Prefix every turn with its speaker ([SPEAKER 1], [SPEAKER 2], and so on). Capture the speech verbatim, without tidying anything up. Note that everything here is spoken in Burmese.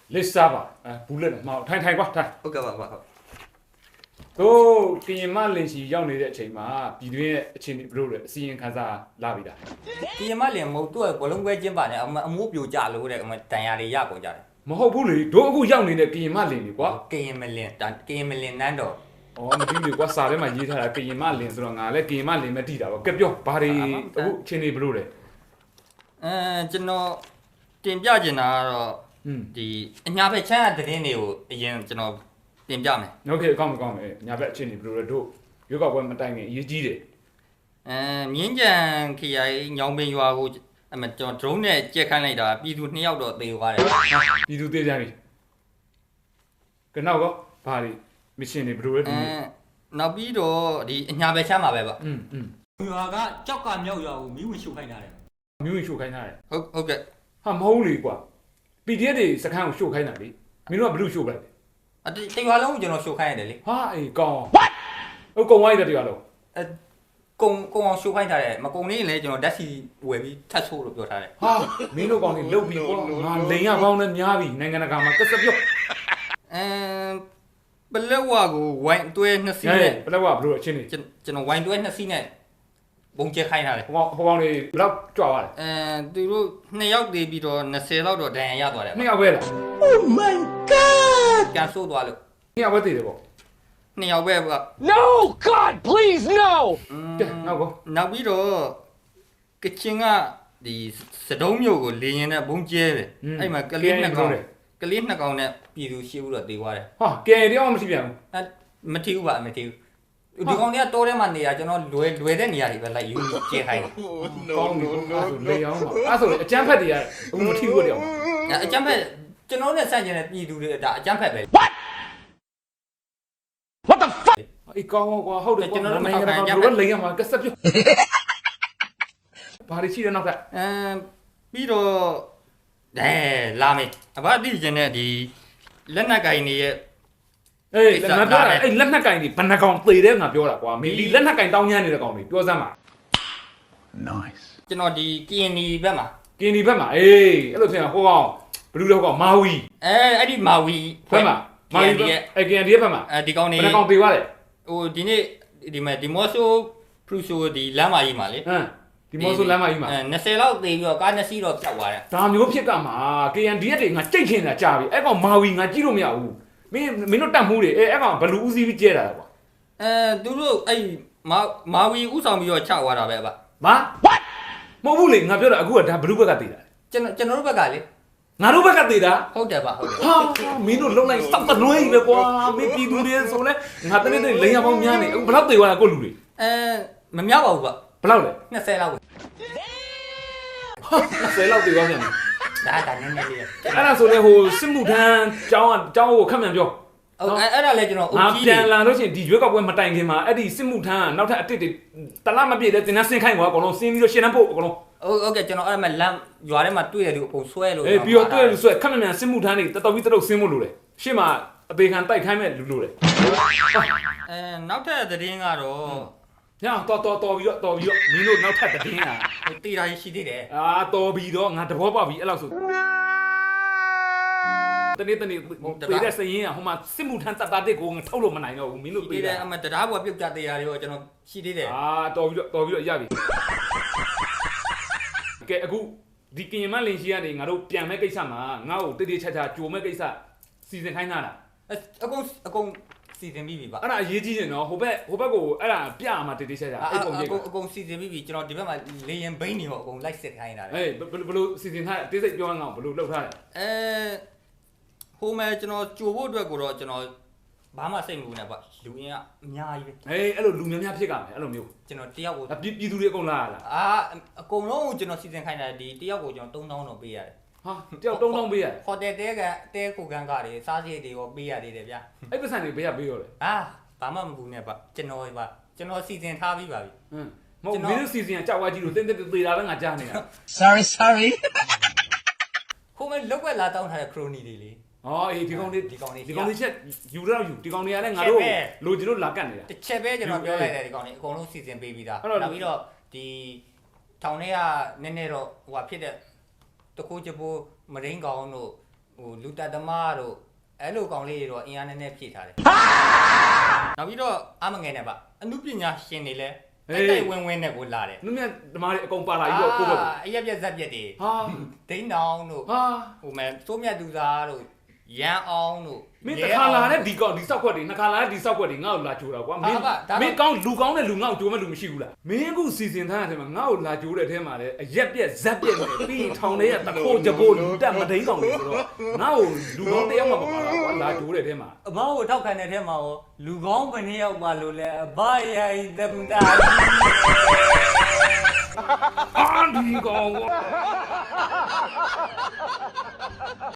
[SPEAKER 1] လက်စားပါအဲဘူးလက်မအောင်ထိုင်ထိုင်ကွာထိုင်
[SPEAKER 2] ဟုတ်ကဲ့ပါပါဟုတ်
[SPEAKER 1] တို့ကရင်မလင်စီရောက်နေတဲ့အချိန်မှာပြည်တွင်းရဲ့အခြေအနေဘယ်လိုလဲအစီရင်ခံစာလာပြီလား
[SPEAKER 2] ဒီမလင်မဟုတ်သူကဘလုံးပွဲကျင်းပါနဲ့အမိုးပြိုကြလို့တဲ့အမတန်ရာတွေရကုန်ကြတယ်
[SPEAKER 1] မဟုတ်ဘူးလေတို့အခုရောက်နေတဲ့ကရင်မလင်တွေကွာ
[SPEAKER 2] ကရင်မလင်တန်ကရင်မလင်နန်းတော်
[SPEAKER 1] ဩမသိဘူးကွာစာထဲမှာရေးထားတာကရင်မလင်ဆိုတော့ငါလည်းကရင်မလင်မတိတာပေါ့ကဲပြောဘာတွေအခုအခြေအနေဘယ်လိုလဲ
[SPEAKER 2] အဲကျွန်တော်တင်ပြချင်တာကတော့
[SPEAKER 1] อืม
[SPEAKER 2] ဒီအညာဘက်ချမ်းတဲ့တင်းတွေကိုအရင်ကျွန်တော်တင်ပြမယ်
[SPEAKER 1] โอเคအကောင်းအကောင်းပဲညာဘက်အခြေအနေဘယ်လိုလဲတို့ရွေးကောက်ပွဲမတိုင်ခင်အရေးကြီးတယ်
[SPEAKER 2] အဲမြင်းကြံခရိုင်ညောင်ပင်ရွာကိုအမကျွန်တော် drone နဲ့ကြက်ခိုင်းလိုက်တာပြည်သူနှစ်ယောက်တော့သေသွားတယ်
[SPEAKER 1] ပြည်သူသေးကြပြီကနောက်ကဘာတွေမရှင်တွေဘယ်လိုလဲဒီ
[SPEAKER 2] အဲနောက်ပြီးတော့ဒီအညာဘက်ချမ်းမှာပဲပါ
[SPEAKER 1] อืมอืม
[SPEAKER 3] ရွာကကြောက်ကမြောက်ရွာကိုမီးဝင်ရှို့ခိုင်းတာတယ်
[SPEAKER 1] မျိုးဝင်ရှို့ခိုင်းထားတယ်
[SPEAKER 2] ဟုတ်ဟုတ်ကဲ့
[SPEAKER 1] ဟာမဟုတ်လေကွာ ပီ ဒီ အက်ဖ် တွေစခန်းကိုရှို့ခိုင်းတာလေမင်းတို့ကဘယ်လိုရှို့ပလိုက်လဲ
[SPEAKER 2] အတရွာလုံးကိုကျွန်တော်ရှို့ခိုင်းရတယ်လေ
[SPEAKER 1] ဟာအေးကောင်း what ဟုတ်ကုံဝိုင်းတဲ့တရားလုံး
[SPEAKER 2] အဲကုံကုံအောင်ရှို့ခိုင်းထားတယ်မကုံနေရင်လည်းကျွန်တော်ဓာတ်စီဝယ်ပြီးထတ်ဆိုးလို့ပြောထားတယ်
[SPEAKER 1] ဟာမင်းတို့ကောင်တွေလုတ်ပြီးကွာငါလိန်ရကောင်းနဲ့များပြီနိုင်ငံတကာမှာကစပြော့
[SPEAKER 2] အဲပလက်ဝကိုဝိုင်းတွဲနှစ်စီး
[SPEAKER 1] ဟဲ့
[SPEAKER 2] နဲ့
[SPEAKER 1] ဘယ်တော့ကဘယ်လိုအချင်းနေ
[SPEAKER 2] ကျွန်ကျွန်တော်ဝိုင်းတွဲနှစ်စီးနဲ့ဘုံကျဲခိုင်းထားတယ်
[SPEAKER 1] ဟိုကောင်ဟိုကောင်တွေဘယ်တော့ကြွားသွားလဲ
[SPEAKER 2] အဲသူတို့နှစ်ယောက်တည်ပြီးတော့20လောက်တော့ဒဏ်ရာရသွားတယ်
[SPEAKER 1] နှစ်ယောက်ပဲလား
[SPEAKER 4] Oh my god!
[SPEAKER 2] ပြန်ဆိုးသွားလို့
[SPEAKER 1] နှစ်ယောက်ပဲတည်တယ်ပေါ့
[SPEAKER 2] နှစ်ယောက်ပဲက
[SPEAKER 4] No! God, please, no!
[SPEAKER 1] ကဲနောက်ကော
[SPEAKER 2] နောက်ပြီးတော့ကချင်ကဒီစတုံးမျိုးကိုလေရင်နဲ့ဘုံကျဲတယ်အဲ့မှာကလေးနှစ်ကောင်ကလေးနှစ်ကောင်နဲ့ပြည်သူရှိဘူးတော့တည်သွားတယ်
[SPEAKER 1] ဟာကဲတရားမရှိပြန်ဘူး
[SPEAKER 2] အဲမထီဘူးပါမထီဘူးဒီကောင်တွေကတိုးထဲမှာနေရကျွန်တော်လွယ်လွယ်တဲ့နေရာတွေပဲလိုက်ယူကျဲခိုင်းတယ်
[SPEAKER 1] ကောင်းပြီကောင်းပြီလေအောင်ပါအဲ့ဆိုအကျန်းဖက်တွေရဘူးမထီဘူးတရား
[SPEAKER 2] အကြမ်းဖက်ကျွန်တော်နဲ့ဆန့်ကျင်တဲ့ပြည်သူတွေဒါအကြမ်းဖက်ပဲ
[SPEAKER 4] What the fuck?
[SPEAKER 1] အေးကောင်းကွာဟုတ်တယ်ကျွန်တော်နိုင်ငံတကာဘယ်လိုလိန်ရမှာကစပြော့ဘာတွေရှိတယ်နောက်ထပ်
[SPEAKER 2] အဲပြီးတော့အဲလာမေးအဘအတိကျင်တဲ့ဒီလက်နက်ကင်တွေရဲ့
[SPEAKER 1] အေးငါပြောတာအဲ့လက်နက်ကင်တွေဘယ်နှကောင်သေတယ်ငါပြောတာကွာမင်းဒီလက်နက်ကင်တောင်းညမ်းနေတဲ့ကောင်တွေပြောစမ်းပါ
[SPEAKER 4] Nice.
[SPEAKER 2] ကျွန်တော်ဒီကရင်နီဘက်မှာ
[SPEAKER 1] ကင်ဒီဘက်မှာအေးအဲ့လိုထင်တာဟိုကောင်ဘလူးတော့ကောင်မာဝီ
[SPEAKER 2] အဲအဲ့ဒီမာဝီ
[SPEAKER 1] ဘက်မှာမာဝီရဲ့အကင်ဒီဘက်မှာ
[SPEAKER 2] အဲဒီကောင်နေ
[SPEAKER 1] ဘယ်နှကောင်သေသွားလဲ
[SPEAKER 2] ဟိုဒီနေ့ဒီမှာဒီမော့ဆိုပရူဆိုဒီလမ်းမကြီးမှာလေ
[SPEAKER 1] ဟမ်ဒီမော်ဆိုလမ်းမကြီးမှာ
[SPEAKER 2] အဲ20လောက်သေပြီးတော့ကားနှစ်စီးတော့ပြောက်သွားတယ်
[SPEAKER 1] ဒါမျိုးဖြစ်ကမှာ ကေ အန် ဒီ အက်ဖ် တွေငါကြိတ်ခင်တာကြာပြီအဲ့ကောင်မာဝီငါကြည့်လို့မရဘူးမင်းမင်းတို့တတ်မှုတွေအဲ့အဲ့ကောင်ဘလူးဦးစီးပြီးကျဲတာကွာ
[SPEAKER 2] အဲသူတို့အဲ့မာမာဝီဥဆောင်ပြီးတော့ချသွားတာပဲအဘ
[SPEAKER 1] မာ what မဟုတ်ဘူးလေငါပြောတာအခုကဒါဘလူးဘက်ကသေတာ
[SPEAKER 2] ကျွန်တော်ကျွန်တော်တို့ဘက်ကလေ
[SPEAKER 1] ငါတို့ဘက်ကသေတာ
[SPEAKER 2] ဟုတ်တယ်ပါဟုတ်တယ်
[SPEAKER 1] ဟာမင်းတို့လုံလိုက်စောက်တနွေးပဲကွာမင်းပြည်သူတွေဆိုလဲငါတနေ့တည်းလိန်ရပေါင်းများနေအခုဘယ်တော့သေသွားတာကိုလူတွေ
[SPEAKER 2] အဲမမြောက်ပါဘူးဗျ
[SPEAKER 1] ဘယ်လောက်လဲ
[SPEAKER 2] 20လောက်ပဲ
[SPEAKER 1] ဆယ်လောက်သေသွားပြန်ပြီ
[SPEAKER 2] ဒါဒါနည်းနည်းလေး
[SPEAKER 1] အဲ့ဒါဆိုလဲဟိုစစ်မှုထမ်းကျောင်းကကျောင်းကိုခက်မှန်ပြော
[SPEAKER 2] ဟုတ်အဲ့အဲ့ဒါလည်းကျွန်တော်အု
[SPEAKER 1] ငါ
[SPEAKER 2] ပ်ကြီး
[SPEAKER 1] ပြန်လာလို့ရှိရင်ဒီရွေးကောက်ပွဲမတိုင်ခင်မှာအဲ့ဒီစစ်မှုထမ်းကနောက်ထပ်အစ်စ်တွေတလားမပြည့်တဲ့တင်နှဆင်းခိုင်းကွာအကုန်လုံးဆင်းပြီးတော့ရှင်းနှမ်းဖို့အကုန်လုံး
[SPEAKER 2] ဟုတ်ဟုတ်ကဲ့ကျွန်တော်အဲ့မှာလမ်းရွာထဲမှာတွေ့တယ်သူအပုံဆွဲလို့
[SPEAKER 1] အေးပြီးတော့တွေ့လို့ဆိုခက်မှန်မှန်စစ်မှုထမ်းတွေတော်တော်ပြီးတော်တော်ဆင်းဖို့လိုတယ်ရှေ့မှာအသေးခံတိုက်ခိုင်းမဲ့လူလိုတယ်
[SPEAKER 2] အဲနောက်ထပ်သတင်းကတော့
[SPEAKER 1] ညတော်တော်တော်ပြီးတော့တော်ပြီးတော့မင်းတို့နောက်ထပ်တင်းอ่ะ
[SPEAKER 2] တီတာရှိသေးတယ်
[SPEAKER 1] အာတော်ပြီးတော့ငါတဘောပေါက်ပြီအဲ့လောက်ဆိုတနေ့တနေ့ပြေးတဲ့စရင်ကဟိုမှာစစ်မှုထမ်းတပ်သားတစ်ကိုငါထုတ်လို့မနိုင်တော့ဘူးမင်းတို့
[SPEAKER 2] ရှိ
[SPEAKER 1] ပြေး
[SPEAKER 2] သေးတယ်
[SPEAKER 1] တယ်
[SPEAKER 2] အမတရားပေါ်ပြုတ်ကြသေးတာတွေကိုကျွန်တော်ရှိသေးတယ်
[SPEAKER 1] အာတော်ပြီးတော့တော်ပြီးတော့ရပြီကဲအခုဒီကရင်မလင်ရှိရနေငါတို့ပြန်မဲ့ကိစ္စမှာငါ့ကိုတိတိကျကျကြိုမဲ့ကိစ္စစီစဉ်ခိုင်းတာလား
[SPEAKER 2] အကုန်အကုန်စီစဉ်ပြီးပြီပါ
[SPEAKER 1] အဲ့ဒါအရေးကြီးတယ်နော်ဟိုဘက်ဟိုဘက်ကိုအဲ့ဒါပြရမှာတိတိကျကျအဲ့ပုံရိပ်
[SPEAKER 2] အကုန်အကုန်စီစဉ်ပြီးပြီကျွန်တော်ဒီဘက်မှာလေရင်ဘိန်းတွေပေါ့အကုန်လိုက်စစ်ခိုင်းတာလေ
[SPEAKER 1] အေးဘယ်လိုစီစဉ်ထားလဲတိစိတ်ပြောငါ့ကိုဘယ်လိုလုပ်ထားလဲ
[SPEAKER 2] အဲဟိုမဲ့ကျွန်တော်ကြိုဖို့အတွက်ကိုတော့ကျွန်တော်ဘာမှစိတ်မပူနဲ့ပါလူရင်းကအများကြီးပဲ
[SPEAKER 1] အေးအဲ့လိုလူများများဖြစ်ကြမယ်အဲ့လိုမျိုး
[SPEAKER 2] ကျွန်တော်တယောက်ကို
[SPEAKER 1] ပြည်ပြည်သူတွေအကုန်လာရလား
[SPEAKER 2] အာအကုန်လုံးကိုကျွန်တော်စီစဉ်ခိုင်းတာဒီတယောက်ကိုကျွန်တော်သုံးသောင်းတော့ပေးရတယ်
[SPEAKER 1] ဟာတယောက်တုံးတုံးပေးရတယ်
[SPEAKER 2] ဟိုတယ်တဲကတဲကိုကန်ကတွေစားစရိတ်တွေရောပေးရသေးတယ်ဗျာ
[SPEAKER 1] အဲ့ပတ်စံတွေဘေးကပေးရောလေ
[SPEAKER 2] အာဘာမှမပူနဲ့ပါကျွန်တော်ပါကျွန်တော်စီစဉ်ထားပြီးပါပြီ
[SPEAKER 1] ဟမ်မဟုတ်မင်းတို့စီစဉ်ကကြောက်ဝါကြီးလို့တင်းတင်းသေးတာပဲငါကြားနေတာ
[SPEAKER 4] Sorry, sorry.
[SPEAKER 2] ဟိုမဲ့လောက်ွက်လာတောင်းထားတဲ့ခရိုနီတွေလေ
[SPEAKER 1] ဟောအေးဒီကောင်လေး
[SPEAKER 2] ဒီကောင်လေး
[SPEAKER 1] ဒီကောင်လေးချက်ယူတော့ယူဒီကောင်တွေကလည်းငါတို့လိုချင်လို့လာကတ်နေတာ
[SPEAKER 2] တစ်ချက်ပဲကျွန်တော်ပြောလိုက်တယ်ဒီကောင်လေးအကုန်လုံးစီစဉ်ပေးပြီးသားနောက်ပြီးတော့ဒီထောင်ထဲကနည်းနည်းတော့ဟိုဟာဖြစ်တဲ့တကူချပိုးမရင်းကောင်တို့ဟဟိုလူတက်သမားတို့အဲ့လိုကောင်လေးတွေတော့အင်အားနည်းနည်းဖြည့်ထားတယ်နောက်ပြီးတော့အမငယ်နဲ့ပါအမှုပညာရှင်တွေလည်းတိုက်တိုက်ဝင်းဝင်းနဲ့ကိုလာတယ်
[SPEAKER 1] နုမြတ်ဓမ္မတွေအကုန်ပါလာပြီးတော့ကိုယ့်ဘက်
[SPEAKER 2] အရက်ပြက်ဇက်ပြက်တွေ
[SPEAKER 1] ဟာ
[SPEAKER 2] ဒိန်းတောင်တို့
[SPEAKER 1] ဟာ
[SPEAKER 2] ဟိုမဲ့စိုးမြတ်သူသားတို့ရန်အောင်တို့
[SPEAKER 1] မင်းတစ်ခါလာတဲ့ဒီကောင်ဒီဆောက်ခွက်တွေနှစ်ခါလာတဲ့ဒီဆောက်ခွက်တွေငါ့ကိုလာကြိုးတာကွာမင်းမင်းကောင်းလူကောင်းတဲ့လူငါ့ကိုကြိုးမဲ့လူမရှိဘူးလားမင်းအခုစီစဉ်ထားတဲ့အထဲမှာငါ့ကိုလာကြိုးတဲ့အထဲမှာလည်းအရက်ပြက်ဇက်ပြက်နဲ့ပြီးရင်ထောင်ထဲကတခိုးကြပိုးလူတက်မဒိန်းကောင်တွေဆိုတော့ငါ့ကိုလူကောင်းတစ်ယောက်မှမပါတော့ကွာလာကြိုးတဲ့အထဲမှာ
[SPEAKER 3] အဘကိုထောက်ခံတဲ့ထဲမှာရောလူကောင်းဘယ်နှယောက်ပါလို့လဲအဘရိုင်တပူတာ
[SPEAKER 1] အာဒီကောင်ကွာ